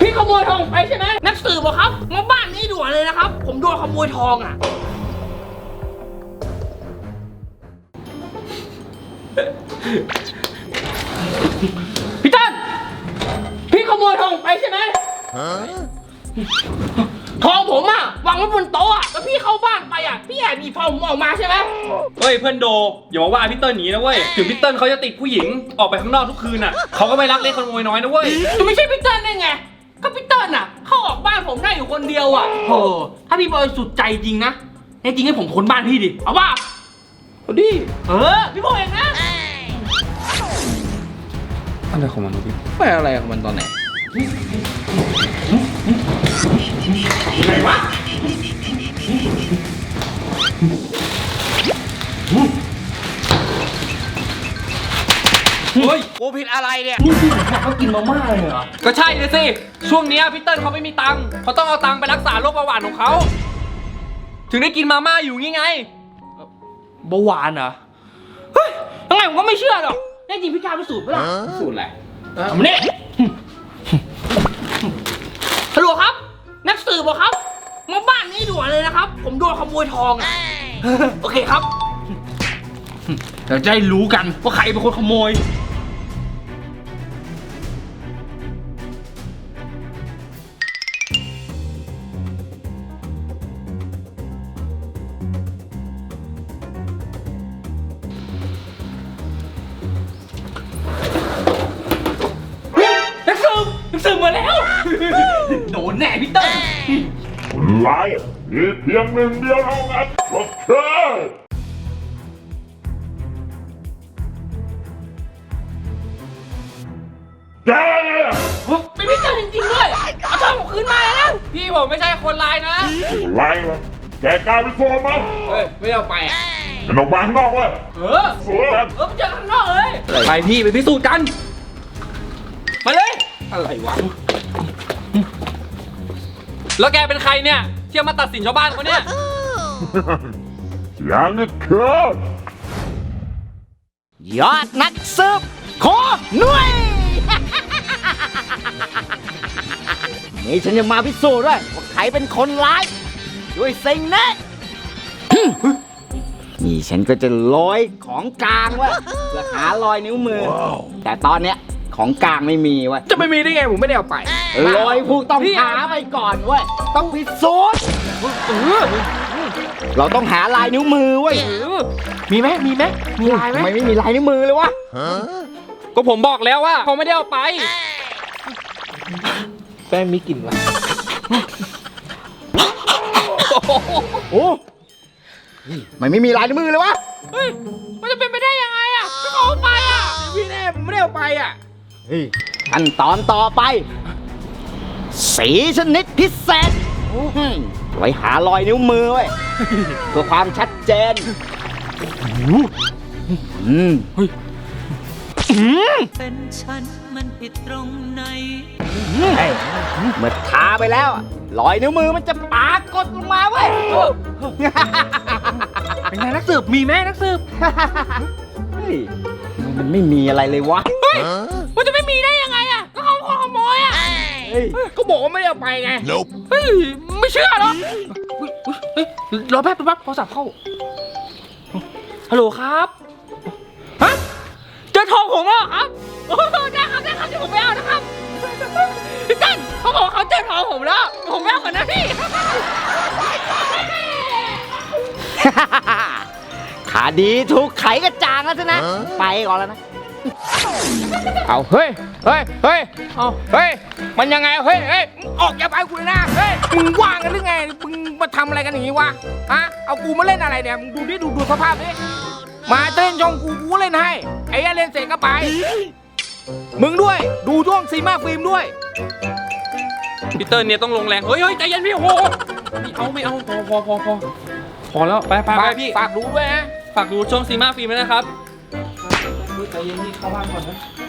พี่ขโมยทองไปใช่ไหมนักสืบเหรอครับมาบ้านนี้ด่วนเลยนะครับผมโดนขโมยทองอ่ะพี่ต้นพี่ขโมยทองไปใช่ไหมทองผมอะวางไว้บนโต๊ะอะแล้วพี่เข้าบ้านไปอะพี่แอบหยิบทองผมออกมาใช่ไหมเฮ้ยเพื่อนโดอย่ามาว่าพี่เติ้ลหนีนะเว้ยถึงพี่เติ้ลเขาจะติดผู้หญิงออกไปข้างนอกทุกคืนอะเขาก็ไม่รักเล็กขโมยน้อยนะเว้ยจะไม่ใช่พี่เติ้ลได้ไงก็พี่เติ้ลอะเข้าออกบ้านผมได้อยู่คนเดียวอะโหถ้าพี่บอยสุดใจจริงนะแน่จริงให้ผมค้นบ้านพี่ดิเอาป่ะเอาดิพี่บอยเองนะอะไรของมันพี่ไปอะไรของมันตอนไหนไหนวะเฮ้ยกูผิดอะไรเนี่ยนี่พี่เขากินมาม่าเลยเหรอก็ใช่เลยสิช่วงนี้พี่เติ้ลเขาไม่มีตังค์เขาต้องเอาตังค์ไปรักษาโรคเบาหวานของเขาถึงได้กินมาม่าอยู่งี้ไงเบาหวานเหรอเฮ้ยยังไงผมก็ไม่เชื่อหรอกแน่จริงพี่กล้าพิสูจน์ไหมล่ะสูตรอะไรทำนี่ฮัลโหลครับนักสืบเหรอครับมาบ้านนี้ด่วนเลยนะครับผมโดนขโมยทองอ่ะโอเคครับเดี๋ยวจะได้รู้กันว่าใครเป็นคนขโมยนักสืบมาแล้วโดนแน่พี่เติ้ลไล่มีเพียงหนึ่งเดียวเท่านั้นก็คือแกเป็นพี่เติ้ลจริงๆด้วยเอาทองผมคืนมาเลยนะพี่ผมไม่ใช่คนร้ายนะไล่วะแกกลายเป็นโฟมมั้งเฮ้ยไม่เอาไปอ่ะมันออกมาข้างนอกเว้ยสวยไปเจอข้างนอกเลยไปพี่ไปพิสูจน์กันมาเลยอะไรวะแล้วแกเป็นใครเนี่ยที่มาตัดสินชาวบ้านเขาเนี่ยอย่างนี้คือยอดนักสืบขอหน่วยนี่ฉันจะมาพิสูจน์ด้วยว่าใครเป็นคนร้ายด้วยสิ่งนี้นี่ฉันก็จะลอยของกลางไว้เพื่อหารอยนิ้วมือแต่ตอนเนี้ยของกลางไม่มีเว้ยจะไม่มีได้ไงผมไม่ได้เอาไปรอยผู้ต้องหาไปก่อนเว้ยต้องพิสูจน์เราต้องหาลายนิ้วมือเว้ยมีไหมมีลายไหมไม่มีลายนิ้วมือเลยวะก็ผมบอกแล้วว่าเขาไม่ได้เอาไปแป้งมีกลิ่นวะโอ้ไม่มีลายนิ้วมือเลยวะเฮ้ยมันจะเป็นไปได้ยังไงอ่ะก็เขาเอาไปอ่ะพี่แน่ผมไม่ได้เอาไปอ่ะขั้นตอนต่อไปสีชนิดพิเศษไว้หารอยนิ้วมือไว้เพื่อความชัดเจนเป็นฉันมันผิดตรงไหนเมื่อทาไปแล้วรอยนิ้วมือมันจะปรากฏลงมาเว้ยเป็นไงนักสืบมีไหมนักสืบมันไม่มีอะไรเลยวะมันจะไม่มีได้ยังไงอ่ะก็เขาขโมยอ่ะก็บอกว่าไม่ได้เอาไปไงเฮ้ยไม่เชื่อหรอกรอแป๊บโทรศัพท์เข้าฮัลโหลครับฮะเจอทองผมแล้วครับได้ครับเดี๋ยวผมไปเอานะครับพี่ตั้นเขาบอกเขาเจอทองผมแล้วผมไปเอาก่อนนะพี่ขาดีถูกไขกระจ่างแล้วใช่ไหมไปก่อนแล้วนะเอาเฮ้ยมันยังไงเฮ้ยออกอย่าไปกูเลยนะเฮ้ยมึงว่างกันหรือไงมึงมาทำอะไรกันอย่างนี้วะฮะเอากูมาเล่นอะไรเนี่ยมึงดูดิดูสภาพดิมาเต้นช่องกูเล่นให้ไอ้เล่นเสร็จก็ไปมึงด้วยดูช่วงซีมาฟิล์มด้วยพีเตอร์เนี่ยต้องลงแรงเฮ้ยใจเย็นพี่โอ้โหไม่เอาพอแล้วไปพี่ฝากดูด้วยนะฝากดูช่องซีมาฟิล์มนะครับใจเย็นพี่เข้าบ้านก่อนนะ